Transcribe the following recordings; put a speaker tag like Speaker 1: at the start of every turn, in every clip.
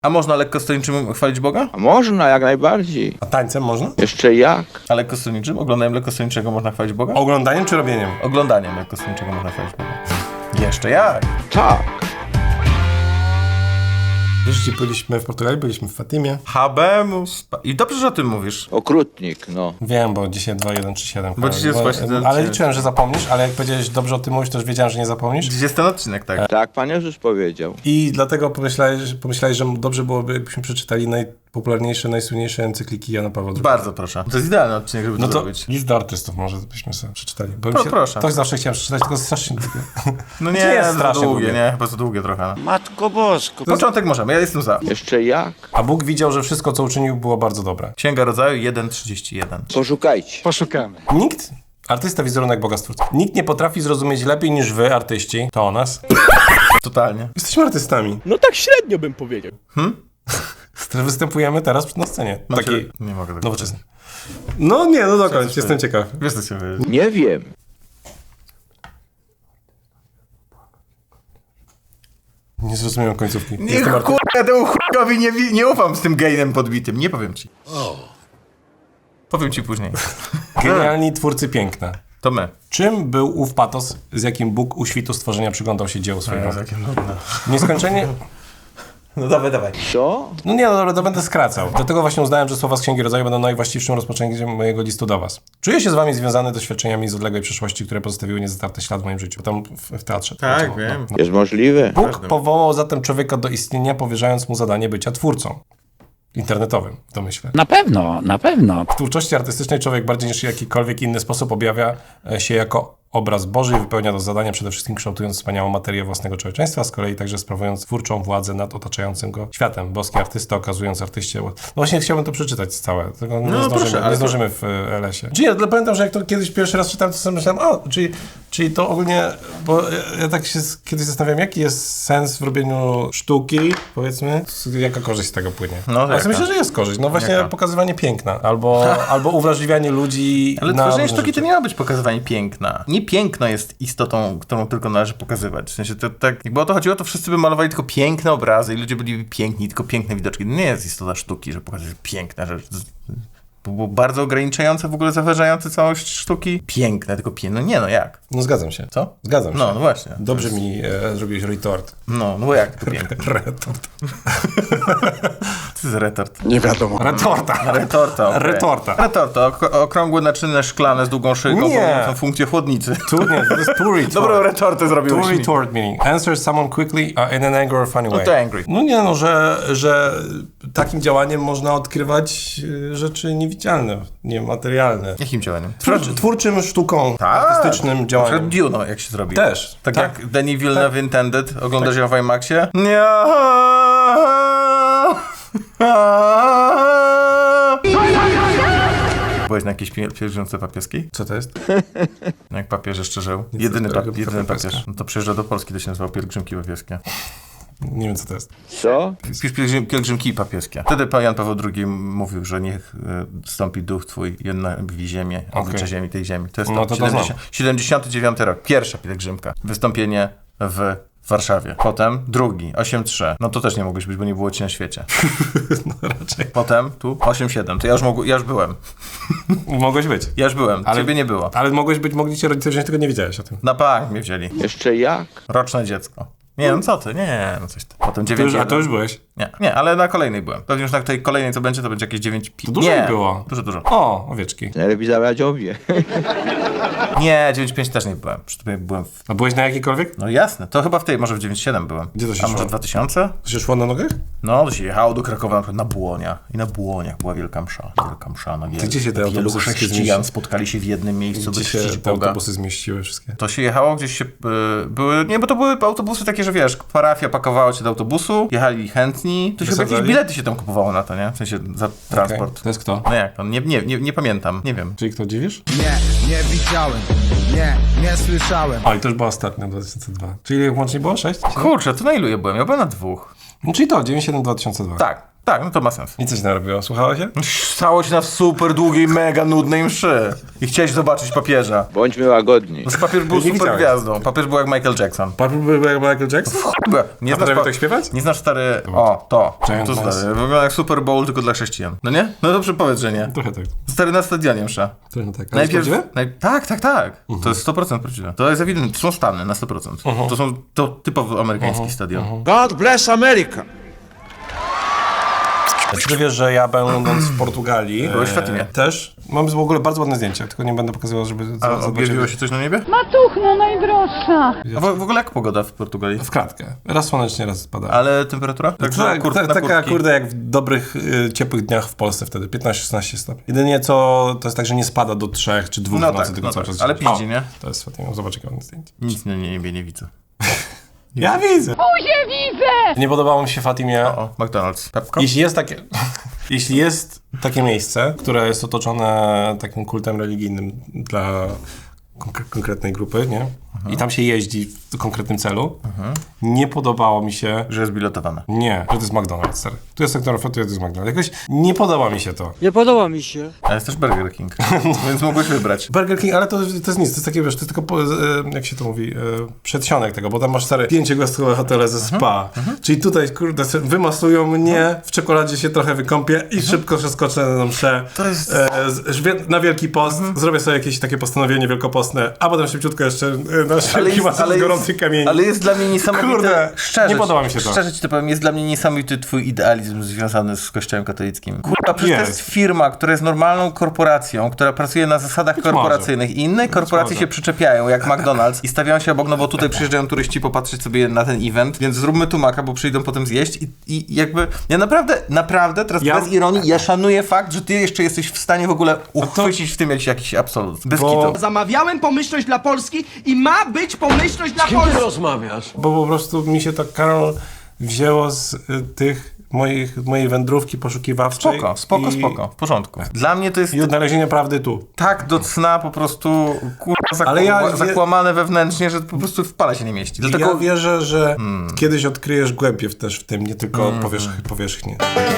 Speaker 1: A można lekkostronniczym chwalić Boga?
Speaker 2: A można, jak najbardziej.
Speaker 3: A tańcem można?
Speaker 2: Jeszcze jak?
Speaker 1: A lekkostronniczym? Oglądaniem lekkostronniczego można chwalić Boga?
Speaker 3: Oglądaniem czy robieniem?
Speaker 1: Oglądaniem lekkostronniczego można chwalić Boga. Jeszcze jak?
Speaker 2: Tak.
Speaker 3: Wiesz, gdzie byliśmy w Portugalii? Byliśmy w Fatimie.
Speaker 1: Habemus. I dobrze, że o tym mówisz.
Speaker 2: Okrutnik, no.
Speaker 3: Wiem, bo dzisiaj 2-1-3-7.
Speaker 1: Bo dzisiaj jest właśnie ten-
Speaker 3: Ale liczyłem, że zapomnisz, ale jak powiedziałeś dobrze o tym mówisz, to już wiedziałem, że nie zapomnisz.
Speaker 1: Dziś jest ten odcinek, tak.
Speaker 2: Tak Pan Jezus powiedział.
Speaker 3: I dlatego pomyślałeś, że dobrze byłoby, jakbyśmy przeczytali najpopularniejsze, najsłynniejsze encykliki Jana Pawła II.
Speaker 1: Bardzo proszę. To jest idealny odcinek, żeby
Speaker 3: No
Speaker 1: to
Speaker 3: to
Speaker 1: zrobić.
Speaker 3: list do artystów może byśmy sobie przeczytali. Bo
Speaker 1: Proszę.
Speaker 3: To zawsze chciałem przeczytać, tylko strasznie długie.
Speaker 1: No nie,
Speaker 3: jest
Speaker 1: jest
Speaker 3: strasznie
Speaker 1: długie,
Speaker 3: długie.
Speaker 1: nie, chyba za długie trochę. No.
Speaker 4: Matko Bosko.
Speaker 1: Początek możemy, ja jestem za.
Speaker 2: Jeszcze jak?
Speaker 3: A Bóg widział, że wszystko, co uczynił, było bardzo dobre.
Speaker 1: Księga Rodzaju 1:31.
Speaker 2: Poszukajcie.
Speaker 4: Poszukamy.
Speaker 3: Nikt, artysta, wizerunek Boga Stwórcy, nikt nie potrafi zrozumieć lepiej niż wy, artyści, to o nas.
Speaker 1: Totalnie.
Speaker 3: Jesteśmy artystami.
Speaker 5: No tak średnio bym powiedział.
Speaker 3: Występujemy teraz na scenie. Takiej
Speaker 1: Nie mogę tak
Speaker 3: nowoczesnej. No nie, no dokończ, jestem ciekaw.
Speaker 1: Wiesz, co się wydaje.
Speaker 2: Nie wiem.
Speaker 3: Nie zrozumiałem końcówki.
Speaker 1: Nie,
Speaker 3: Jestem artystą.
Speaker 1: kurwa, temu chujowi nie ufam z tym gejem podbitym. Nie powiem ci. Powiem ci później.
Speaker 3: Genialni twórcy piękna.
Speaker 1: To my.
Speaker 3: Czym był ów patos, z jakim Bóg u świtu stworzenia przyglądał się dziełu swojego?
Speaker 1: Jakie nudne.
Speaker 3: Nieskończenie...
Speaker 1: No dawaj.
Speaker 2: Co?
Speaker 3: No nie, no dobra, to będę skracał. Dlatego właśnie uznałem, że słowa z Księgi Rodzaju będą najwłaściwszym rozpoczęciem mojego listu do was. Czuję się z wami związany doświadczeniami z odległej przeszłości, które pozostawiły niezatarte ślad w moim życiu. Tam w teatrze.
Speaker 1: Tak,
Speaker 3: No,
Speaker 1: wiem.
Speaker 3: no.
Speaker 2: Jest możliwe?
Speaker 3: Bóg powołał zatem człowieka do istnienia, powierzając mu zadanie bycia twórcą. Internetowym, to myślę.
Speaker 4: Na pewno, na pewno.
Speaker 3: W twórczości artystycznej człowiek bardziej niż jakikolwiek inny sposób objawia się jako obraz Boży i wypełnia to zadanie przede wszystkim kształtując wspaniałą materię własnego człowieczeństwa, z kolei także sprawując twórczą władzę nad otaczającym go światem. Boski artysta okazując artyście... No właśnie chciałbym to przeczytać całe, tylko nie zdążymy w LS-ie. Czyli ja pamiętam, że jak to kiedyś pierwszy raz czytałem, to sobie myślałem, czyli to ogólnie, bo ja tak się kiedyś zastanawiam, jaki jest sens w robieniu sztuki, powiedzmy, jaka korzyść z tego płynie.
Speaker 1: No,
Speaker 3: Ale
Speaker 1: jaka?
Speaker 3: myślę, że jest korzyść. No właśnie
Speaker 1: Jaka?
Speaker 3: pokazywanie piękna, albo uwrażliwianie ludzi
Speaker 1: Ale
Speaker 3: na
Speaker 1: tworzenie
Speaker 3: różne
Speaker 1: sztuki to
Speaker 3: rzeczy.
Speaker 1: nie ma być pokazywanie piękna. Nie piękno jest istotą, którą tylko należy pokazywać. W sensie to tak, jakby o to chodziło, to wszyscy by malowali tylko piękne obrazy i ludzie byli piękni, tylko piękne widoczki. Nie jest istota sztuki, że pokazać piękne rzeczy. To było bardzo ograniczające, w ogóle zaważające całość sztuki. Piękne, tylko piękne. No nie, no jak?
Speaker 3: No zgadzam się.
Speaker 1: Co?
Speaker 3: Zgadzam się.
Speaker 1: No właśnie.
Speaker 3: Dobrze mi zrobiłeś retort.
Speaker 1: No bo jak to piękne?
Speaker 3: Retort.
Speaker 1: To jest retort.
Speaker 5: Nie wiadomo.
Speaker 3: Retorta.
Speaker 1: Retorta, okay.
Speaker 3: Retorta.
Speaker 1: Retorta, okrągłe naczyny szklane z długą szyjką,
Speaker 3: Nie.
Speaker 1: pełniącą funkcję chłodnicy.
Speaker 3: Nie, to jest to retort.
Speaker 1: Dobrą retortę
Speaker 3: To
Speaker 1: zrobiłeś mi.
Speaker 3: retort meaning. Answer someone quickly in an angry or funny way.
Speaker 1: to angry.
Speaker 3: No nie, no, że takim działaniem można odkrywać rzeczy niewidzialne, niematerialne.
Speaker 1: Jakim działaniem?
Speaker 3: Twórczym sztuką, artystycznym
Speaker 1: Na
Speaker 3: działaniem.
Speaker 1: przykład Dune, jak się zrobi.
Speaker 3: Też.
Speaker 1: Tak jak Denis Villeneuve Intended. Oglądasz ją w IMAXie? Nie. Byłeś na jakiejś pielgrzymce papieskiej?
Speaker 3: Co to jest?
Speaker 1: No jak papież jeszcze żył.
Speaker 3: Nic
Speaker 1: Jedyny
Speaker 3: dobrego,
Speaker 1: papież.
Speaker 3: papieska.
Speaker 1: No to przyjeżdżał do Polski, to się nazywało pielgrzymki papieskie.
Speaker 3: Nie wiem, co to jest.
Speaker 2: Co?
Speaker 1: Pielgrzymki papieskie. Wtedy pan Jan Paweł II mówił, że niech stąpi duch twój, jednawi ziemię, oblicze ziemi, tej ziemi. To jest
Speaker 3: No to
Speaker 1: 79 rok. Pierwsza pielgrzymka. Wystąpienie w Warszawie. Potem drugi, 8-3. No to też nie mogłeś być, bo nie było ci na świecie.
Speaker 3: No raczej.
Speaker 1: Potem tu 8-7. To ja już byłem.
Speaker 3: Mogłeś być.
Speaker 1: Ja już byłem.
Speaker 3: Ale-
Speaker 1: Ciebie nie było.
Speaker 3: Ale mogli cię rodzice wziąć, tylko nie wiedziałeś o tym.
Speaker 1: Na bank mnie wzięli.
Speaker 2: Jeszcze jak?
Speaker 1: Roczne dziecko. Nie, no co ty? Nie, no coś tam. Potem 9.
Speaker 3: A to już byłeś?
Speaker 1: Nie, ale na kolejnej byłem. Pewnie już na tej kolejnej co będzie, to będzie jakieś 9.
Speaker 3: To dużo
Speaker 1: nie,
Speaker 3: było.
Speaker 1: Dużo.
Speaker 3: O, owieczki.
Speaker 2: Najlepiej zabrać obie.
Speaker 1: Nie, 9.5 też nie byłem. Przy tobie byłem w...
Speaker 3: A byłeś na jakiejkolwiek?
Speaker 1: No jasne, to chyba w tej, może w 9.7 byłem.
Speaker 3: Gdzie to się
Speaker 1: A może
Speaker 3: szło?
Speaker 1: 2000?
Speaker 3: To się szło na nogach?
Speaker 1: No, to się jechało do Krakowa na przykład na Błonia. I na Błoniach była wielka msza. Wielka msza na wielu.
Speaker 3: Gdzie się te
Speaker 1: wielu
Speaker 3: autobusy wszystkie
Speaker 1: chrześcijan
Speaker 3: zmieściły?
Speaker 1: spotkali się w jednym miejscu, by
Speaker 3: Gdzie się
Speaker 1: czcić
Speaker 3: te
Speaker 1: Boga.
Speaker 3: autobusy zmieściły wszystkie?
Speaker 1: To się jechało gdzieś się... były... Nie, bo to były autobusy takie, że wiesz, parafia pakowała cię do autobusu, jechali chętni. To się chyba jakieś
Speaker 3: Wysadzali?
Speaker 1: bilety się tam kupowało na to, nie? W sensie za transport.
Speaker 3: Okay. To jest kto?
Speaker 1: No jak to? Nie pamiętam. Nie wiem.
Speaker 3: Czyli kto dziwisz?
Speaker 6: Nie widziałem, nie słyszałem.
Speaker 3: O, i to już była ostatnia, 2002. Czyli łącznie było 6?
Speaker 1: Kurczę, to na ilu ja byłem? Ja byłem na 2.
Speaker 3: No, czyli to, 97-2002.
Speaker 1: Tak. Tak, no to ma sens.
Speaker 3: I co się tam robiło? Słuchało się?
Speaker 1: Stało się na super długiej, mega nudnej mszy. I chciałeś zobaczyć papieża.
Speaker 2: Bądźmy łagodni.
Speaker 1: Znaczy, papież był
Speaker 3: Nie
Speaker 1: super
Speaker 3: widziałeś.
Speaker 1: gwiazdą. Papież był jak Michael Jackson.
Speaker 3: Pan był jak Michael Jackson?
Speaker 1: Nie
Speaker 3: A potrafił tak śpiewać?
Speaker 1: Nie znasz stary... O, to.
Speaker 3: Giant
Speaker 1: To
Speaker 3: Noise.
Speaker 1: stary. Wygląda jak Super Bowl tylko dla chrześcijan. No nie? No dobrze powiedz, że nie.
Speaker 3: Trochę tak.
Speaker 1: Stary na stadionie msza.
Speaker 3: Trochę tak. Ale prawdziwe?
Speaker 1: Tak. To jest 100% prawdziwe. To jest ewidentne. To są Stany na 100%. To typowo amerykański stadion.
Speaker 6: God bless America.
Speaker 3: Czy ty wiesz, że ja będąc w Portugalii
Speaker 1: Byłeś w Fatimie.
Speaker 3: też mam w ogóle bardzo ładne zdjęcia, tylko nie będę pokazywał, żeby
Speaker 1: A objawiło się coś na niebie?
Speaker 5: Matuchno najdroższa.
Speaker 1: A w ogóle jak pogoda w Portugalii?
Speaker 3: w kratkę. Raz słonecznie, raz spada.
Speaker 1: Ale temperatura?
Speaker 3: Tak,
Speaker 1: na
Speaker 3: taka
Speaker 1: kurtki?
Speaker 3: kurde jak w dobrych, ciepłych dniach w Polsce wtedy, 15-16 stopni. Jedynie co, to jest tak, że nie spada do 3 czy 2
Speaker 1: No
Speaker 3: w nocy,
Speaker 1: tak,
Speaker 3: tylko
Speaker 1: no
Speaker 3: cały
Speaker 1: tak.
Speaker 3: czas.
Speaker 1: Ale
Speaker 3: gdzieś.
Speaker 1: piździ, nie?
Speaker 3: To jest Fatima, zobacz jakie ładne zdjęcie.
Speaker 1: Nic na niebie nie widzę.
Speaker 3: Ja widzę!
Speaker 5: Buzię widzę!
Speaker 3: Nie podobało mi się Fatimie.
Speaker 1: O, McDonald's. Pepko?
Speaker 3: Jeśli jest takie miejsce, które jest otoczone takim kultem religijnym dla konkretnej grupy, nie? I tam się jeździ w konkretnym celu, nie podobało mi się,
Speaker 1: Że jest biletowane.
Speaker 3: nie, że to jest McDonald's, stary. Tu jest sektor foto, to jest McDonald's. Jakoś nie podoba mi się to.
Speaker 7: Nie podoba mi się.
Speaker 1: Ale jest też Burger King. Więc mogłeś wybrać.
Speaker 3: Burger King, ale to jest nic, to jest takie, wiesz, to jest tylko, jak się to mówi, przedsionek tego, bo tam masz stare 5-gwiazdkowe hotele ze spa. Czyli tutaj, kurde, wymasują mnie, w czekoladzie się trochę wykąpię i szybko przeskoczę na mszę.
Speaker 1: To jest...
Speaker 3: Na Wielki Post, zrobię sobie jakieś takie postanowienie wielkopostne, a potem szybciutko jeszcze na szybki masaż z gorących kamieni.
Speaker 1: Ale jest dla mnie niesamowity...
Speaker 3: Kurde,
Speaker 1: szczerze,
Speaker 3: nie podoba mi się to.
Speaker 1: Szczerze ci to powiem, jest dla mnie niesamowity twój idealizm związany z Kościołem katolickim. Kurwa, przecież to
Speaker 3: Jest.
Speaker 1: jest firma, która jest normalną korporacją, która pracuje na zasadach korporacyjnych i inne korporacje się przyczepiają, jak McDonald's i stawiają się obok, no bo tutaj przyjeżdżają turyści popatrzeć sobie na ten event, więc zróbmy tu maka, bo przyjdą potem zjeść i jakby... Ja naprawdę, teraz bez ironii, ja szanuję fakt, że ty jeszcze jesteś w stanie w ogóle uchwycić w tym jakiś absolut. Bez kitu.
Speaker 8: Zamawiałem pomyślność dla Polski i ma być pomyślność dla Polski.
Speaker 3: Bo po prostu mi się to, Karol, wzięło z mojej wędrówki poszukiwawczej.
Speaker 1: Spoko, w porządku. Dla mnie to jest
Speaker 3: I odnalezienie prawdy tu.
Speaker 1: tak do cna po prostu kurwa
Speaker 3: Ale
Speaker 1: zakłamane wewnętrznie, że po prostu w pale się nie mieści. Dlatego
Speaker 3: Ja wierzę, że kiedyś odkryjesz głębie też w tym, nie tylko powierzchnię.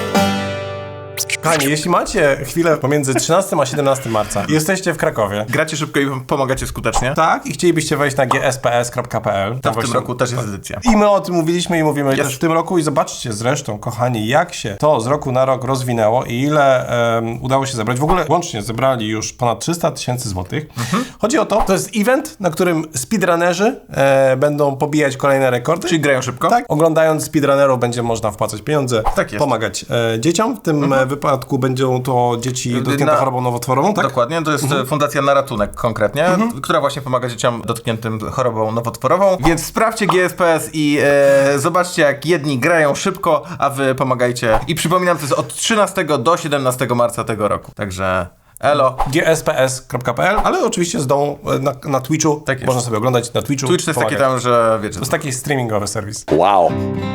Speaker 3: Kochani, jeśli macie chwilę pomiędzy 13 a 17 marca i jesteście w Krakowie,
Speaker 1: gracie szybko i pomagacie skutecznie.
Speaker 3: tak, i chcielibyście wejść na gsps.pl,
Speaker 1: To w tym roku też jest edycja.
Speaker 3: I my o tym mówiliśmy i mówimy też w tym roku i zobaczcie zresztą, kochani, jak się to z roku na rok rozwinęło i ile udało się zebrać. W ogóle łącznie zebrali już ponad 300 000 złotych. Chodzi o to jest event, na którym speedrunnerzy będą pobijać kolejne rekordy.
Speaker 1: Czyli grają szybko?
Speaker 3: Tak, oglądając speedrunnerów będzie można wpłacać pieniądze,
Speaker 1: Tak jest.
Speaker 3: pomagać dzieciom. W tym wypadku będą to dzieci dotknięte chorobą nowotworową, tak?
Speaker 1: Dokładnie, to jest Fundacja na Ratunek konkretnie, która właśnie pomaga dzieciom dotkniętym chorobą nowotworową. Więc sprawdźcie GSPS i zobaczcie, jak jedni grają szybko, a wy pomagajcie. I przypominam, to jest od 13 do 17 marca tego roku. Także elo.
Speaker 3: gsps.pl, ale oczywiście z dołu na Twitchu.
Speaker 1: Tak jest.
Speaker 3: Można sobie oglądać na Twitchu.
Speaker 1: Twitch to jest taki
Speaker 3: pomagać.
Speaker 1: tam, że wiecie.
Speaker 3: To jest taki streamingowy serwis.
Speaker 2: Wow.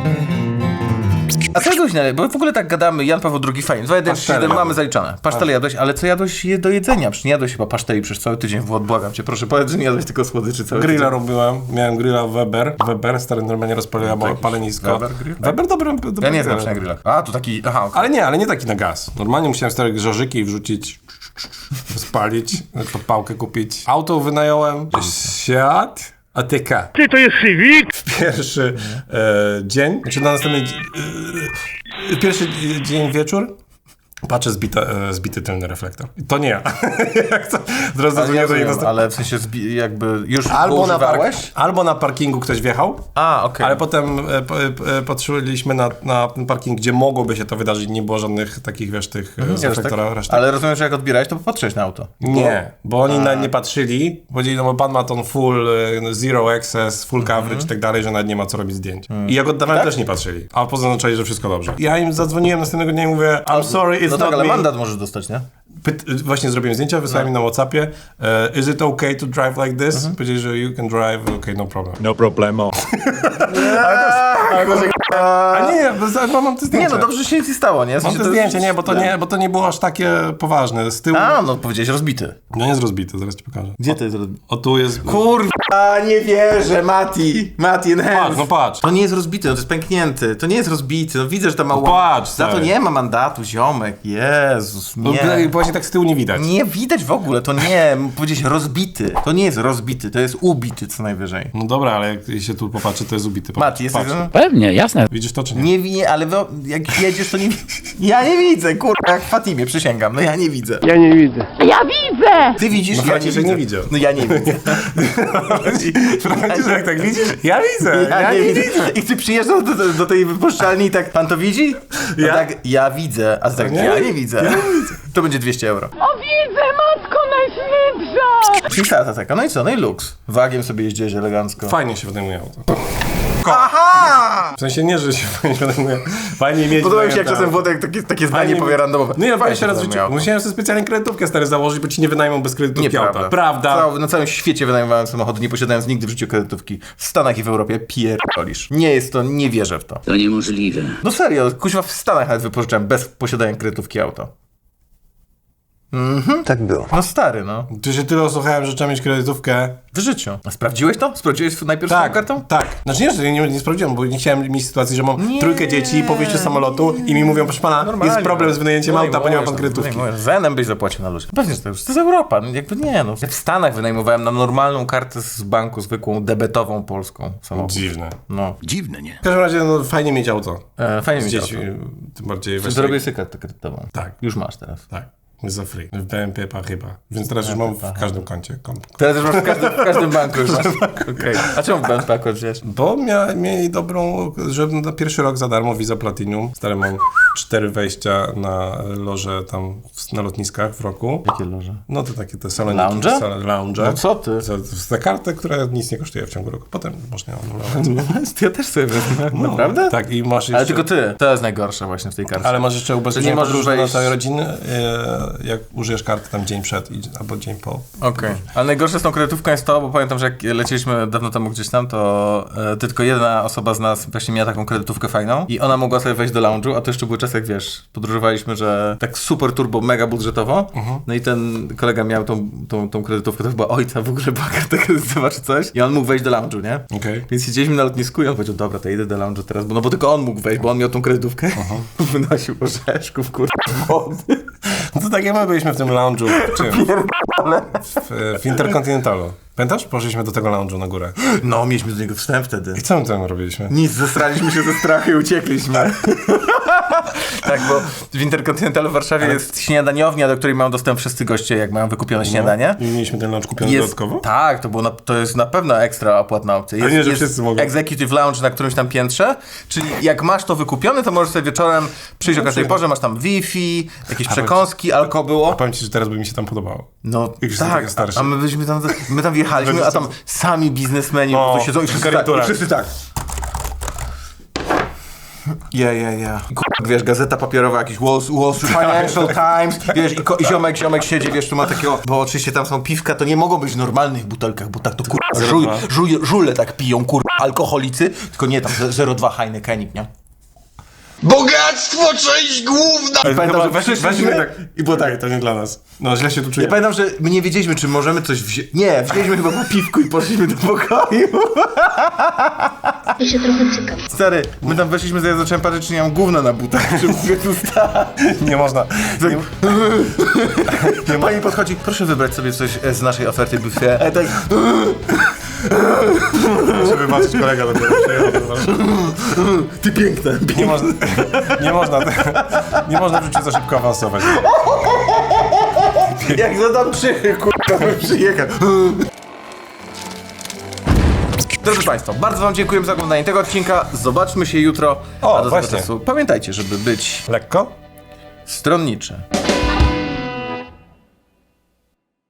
Speaker 1: A co jadłeś, bo w ogóle tak gadamy, Jan Paweł II, fajnie, 2, 1, 3, 7, mamy
Speaker 3: jadłem.
Speaker 1: zaliczone. Pasztele jadłeś, ale co jadłeś do jedzenia? Przecież nie jadłeś chyba paszteli przez cały tydzień, Włod, błagam cię, proszę, powiedz, że nie jadłeś tylko słodyczy cały
Speaker 3: Grilla
Speaker 1: tydzień.
Speaker 3: robiłem, miałem grilla Weber, stary normalnie rozpaliłem palenisko.
Speaker 1: Weber grill?
Speaker 3: Weber dobry
Speaker 1: Ja nie znam
Speaker 3: grill.
Speaker 1: się na grillach. A, tu taki, aha, okej.
Speaker 3: Ale nie taki na gaz. Normalnie musiałem stare grzeżyki wrzucić, spalić, to pałkę kupić. Auto wynająłem, Seat ATK.
Speaker 7: Ty, to jest Civic?
Speaker 3: Pierwszy dzień, znaczy na następny pierwszy dzień wieczór, patrzę zbity tylny reflektor. To nie ja. Jak to? Teraz
Speaker 1: Ale,
Speaker 3: dzwonię
Speaker 1: ja
Speaker 3: do niego.
Speaker 1: rozumiem, ale w sensie jakby już
Speaker 3: Albo
Speaker 1: albo
Speaker 3: na parkingu ktoś wjechał,
Speaker 1: A, okej.
Speaker 3: ale potem patrzyliśmy na ten parking, gdzie mogłoby się to wydarzyć, nie było żadnych takich, wiesz, tych z
Speaker 1: Wiesz,
Speaker 3: reflektora
Speaker 1: tak?
Speaker 3: reszty.
Speaker 1: Ale rozumiem, że jak odbierałeś, to popatrzyłeś na auto.
Speaker 3: Nie, bo oni nie patrzyli, powiedzieli, no bo pan ma tą full zero access, full coverage i tak dalej, że nawet nie ma co robić zdjęć. I jak oddawałem, też nie patrzyli, a pozaznaczali, że wszystko dobrze. Ja im zadzwoniłem następnego dnia i mówię, I'm sorry, it's
Speaker 1: No tak,
Speaker 3: not
Speaker 1: ale
Speaker 3: me.
Speaker 1: mandat możesz dostać, nie?
Speaker 3: Właśnie zrobiłem zdjęcia, wysłałem im na WhatsAppie. Is it okay to drive like this? Powiedzieli, że you can drive, okay, no problem.
Speaker 4: No problemo.
Speaker 3: A nie, mam te zdjęcie.
Speaker 1: Nie, no dobrze, że się nic nie stało, nie? W
Speaker 3: Mam
Speaker 1: sensie
Speaker 3: te
Speaker 1: to-
Speaker 3: zdjęcie, nie, bo to nie było aż takie poważne. Z tyłu...
Speaker 1: A, no powiedziałeś rozbity.
Speaker 3: No jest rozbite, zaraz ci pokażę.
Speaker 1: Gdzie to jest rozbity?
Speaker 3: O tu jest...
Speaker 1: Kurwa, nie wierzę, Mati,
Speaker 3: Patrz, no patrz.
Speaker 1: To nie jest rozbity, no to jest pęknięty. To nie jest rozbity, no widzę, że to ma
Speaker 3: patrz,
Speaker 1: Za to
Speaker 3: stary.
Speaker 1: nie ma mandatu, ziomek. Jezus,
Speaker 3: No,
Speaker 1: nie.
Speaker 3: właśnie tak z tyłu nie widać.
Speaker 1: Nie widać w ogóle, to nie. Powiedzieć rozbity. To nie jest rozbity, to jest ubity co najwyżej.
Speaker 3: No dobra, ale jak się tu popatrzy, to jest ubity.
Speaker 1: Mati, jesteś...
Speaker 3: Patrz.
Speaker 4: Pewnie, jasne.
Speaker 3: Widzisz to, czy nie?
Speaker 1: Nie widzę, ale jak jedziesz, to nie ja nie widzę, kurwa, jak w Fatimie, przysięgam, no ja nie widzę.
Speaker 5: Ja widzę!
Speaker 1: Ty widzisz?
Speaker 3: No Franciszek nie widział.
Speaker 1: No ja nie widzę.
Speaker 3: Franciszek, tak widzisz? Ja widzę.
Speaker 1: Ja nie widzę. I ty przyjeżdżasz do tej wypuszczalni i tak, pan to widzi? No
Speaker 3: Ja?
Speaker 1: tak, ja widzę, a ty tak,
Speaker 3: Nie?
Speaker 1: ja nie widzę. To będzie 200 euro.
Speaker 5: O widzę, matko najświętsza!
Speaker 1: I tata taka, no i co, no i luks. Wagiem sobie jeździłeś elegancko.
Speaker 3: Fajnie się wynajmuje auto.
Speaker 1: Aha!
Speaker 3: W sensie nie, że się fajnie wynajmuje. Fajnie mieć...
Speaker 1: Podoba mi się, jak
Speaker 3: wynajęte
Speaker 1: czasem Włodek takie zdanie
Speaker 3: Fajnie
Speaker 1: powie
Speaker 3: mi-
Speaker 1: randomowe.
Speaker 3: No ja
Speaker 1: Fajnie
Speaker 3: fajnie się raz w
Speaker 1: wynajmuje
Speaker 3: życiu.
Speaker 1: auto.
Speaker 3: Musiałem sobie specjalnie kredytówkę stary założyć, bo ci nie wynajmą bez kredytówki auta.
Speaker 1: Nieprawda.
Speaker 3: Prawda.
Speaker 1: Na całym świecie wynajmowałem samochody, nie posiadając nigdy w życiu kredytówki. W Stanach i w Europie pierdolisz. Nie jest to, nie wierzę w to.
Speaker 7: To niemożliwe.
Speaker 1: No serio, kuźwa w Stanach nawet wypożyczałem bez posiadania kredytówki auto.
Speaker 6: Tak było.
Speaker 1: No stary, no.
Speaker 3: Tu się tyle osłuchałem, że trzeba mieć kredytówkę.
Speaker 1: W życiu. A sprawdziłeś to? Sprawdziłeś najpierw swoją kartą?
Speaker 3: Tak. Znaczy nie, że nie sprawdziłem, bo nie chciałem mieć sytuacji, że mam
Speaker 1: Nie.
Speaker 3: trójkę dzieci po wyjściu z samolotu i mi mówią, proszę pana, jest problem z wynajęciem auta, bo nie ma pan kredytówki.
Speaker 1: Zenem byś zapłacił na luzie. Pewnie, że to jest Europa. No, jakby nie, no. Ja w Stanach wynajmowałem na normalną kartę z banku, zwykłą, debetową polską samochód.
Speaker 3: Dziwne.
Speaker 1: No.
Speaker 3: W każdym razie no, fajnie mieć auto.
Speaker 1: Fajnie
Speaker 3: Z
Speaker 1: mi
Speaker 3: dziećmi,
Speaker 1: się.
Speaker 3: tym bardziej
Speaker 1: Zrobię sobie kartę kredytową.
Speaker 3: Tak.
Speaker 1: Już masz teraz.
Speaker 3: Tak. Jest za free. W BNP chyba. Więc teraz już mam w każdym koncie.
Speaker 1: Teraz już masz w każdym banku już masz. Okej. A czemu w BNP akurat wziąłeś?
Speaker 3: Bo mieli dobrą, że na pierwszy rok za darmo Visa Platinum. Stary, mam 4 wejścia na loże tam na lotniskach w roku.
Speaker 1: Jakie loże?
Speaker 3: No to takie te saloniki.
Speaker 1: Lounge?
Speaker 3: Lounge.
Speaker 1: No co ty?
Speaker 3: Za kartę, która nic nie kosztuje w ciągu roku. Potem można ją anulować.
Speaker 1: Ja też sobie wezmę. Naprawdę?
Speaker 3: Tak, i masz jeszcze...
Speaker 1: Ale tylko ty. To jest najgorsze właśnie w tej karcie.
Speaker 3: Ale masz jeszcze
Speaker 1: nie
Speaker 3: ubezpieczenie
Speaker 1: możesz
Speaker 3: podróżne na
Speaker 1: wejść-
Speaker 3: całej rodziny, jak użyjesz karty tam dzień przed albo dzień po.
Speaker 1: Okej. Ale najgorsze z tą kredytówką jest to, bo pamiętam, że jak leciliśmy dawno temu gdzieś tam, to tylko jedna osoba z nas właśnie miała taką kredytówkę fajną i ona mogła sobie wejść do lounge'u, a to jeszcze były czasy, jak wiesz, podróżowaliśmy, że tak super turbo, mega budżetowo. No i ten kolega miał tą kredytówkę, to chyba ojca w ogóle była karta kredytowa czy coś i on mógł wejść do lounge'u, nie?
Speaker 3: Okej.
Speaker 1: Więc siedzieliśmy na lotnisku i on powiedział, dobra, to idę do lounge'u teraz, bo tylko on mógł wejść, bo on miał tą kredytówkę. Wynosił orzeszków, kurwa, wody.
Speaker 3: No to tak jak my byliśmy w tym lounge'u. W czym? W Interkontynentalu. Pamiętasz? Poszliśmy do tego lounge'u na górę.
Speaker 1: No, mieliśmy do niego wstęp wtedy.
Speaker 3: I co my tam robiliśmy?
Speaker 1: Nic, zestraliśmy się ze strachu i uciekliśmy. Tak, bo w Interkontynentalu w Warszawie jest śniadaniownia, do której mają dostęp wszyscy goście, jak mają wykupione śniadanie.
Speaker 3: I mieliśmy ten lounge kupiony dodatkowo?
Speaker 1: Tak, to jest na pewno ekstra opłatna opcja. Jest,
Speaker 3: nie, że
Speaker 1: jest
Speaker 3: wszyscy mogą.
Speaker 1: Executive Lounge na którymś tam piętrze, czyli jak masz to wykupione, to możesz sobie wieczorem przyjść o każdej porze, masz tam Wi-Fi, jakieś przekąski, alko było.
Speaker 3: Powiem ci, że teraz by mi się tam podobało.
Speaker 1: No
Speaker 3: Jak już jestem
Speaker 1: tak,
Speaker 3: taki starszy.
Speaker 1: a my tam wjechaliśmy, a tam sami biznesmeni po prostu siedzą i wszyscy tak,
Speaker 3: garnitura.
Speaker 1: i wszyscy tak. Ja. Wiesz, gazeta papierowa, jakiś Wall Street Financial Times, wiesz, i ziomek siedzi, wiesz, tu ma takiego, bo oczywiście tam są piwka, to nie mogą być w normalnych butelkach, bo tak to żule tak piją, alkoholicy, tylko nie tam 0,2 Heinekenik, nie?
Speaker 6: Bogactwo, część główna!
Speaker 1: Pamiętam, że weszliśmy
Speaker 3: tak. I było tak, to nie dla nas. No źle się tu czuję.
Speaker 1: Ja pamiętam, że my nie wiedzieliśmy, czy możemy coś wziąć. Nie, wzięliśmy chyba po piwku i poszliśmy do pokoju.
Speaker 9: Ja się trochę cykam.
Speaker 1: Stary, my tam weszliśmy, to ja zacząłem patrzeć, czy nie mam gówna na butach, żeby sobie tu stać.
Speaker 3: Nie można.
Speaker 1: Pani podchodzi, proszę wybrać sobie coś z naszej oferty buffet. A tak,
Speaker 3: Muszę wybaczyć, kolega dopiero przyjechał.
Speaker 1: ty piękna.
Speaker 3: Nie można w życiu za szybko awansować.
Speaker 1: Jak zadam przychy, kurwa, bym przyjechał. Drodzy Państwo, bardzo Wam dziękujemy za oglądanie tego odcinka. Zobaczmy się jutro.
Speaker 3: O,
Speaker 1: A do tego
Speaker 3: właśnie.
Speaker 1: czasu pamiętajcie, żeby być
Speaker 3: Lekko?
Speaker 1: stronniczy.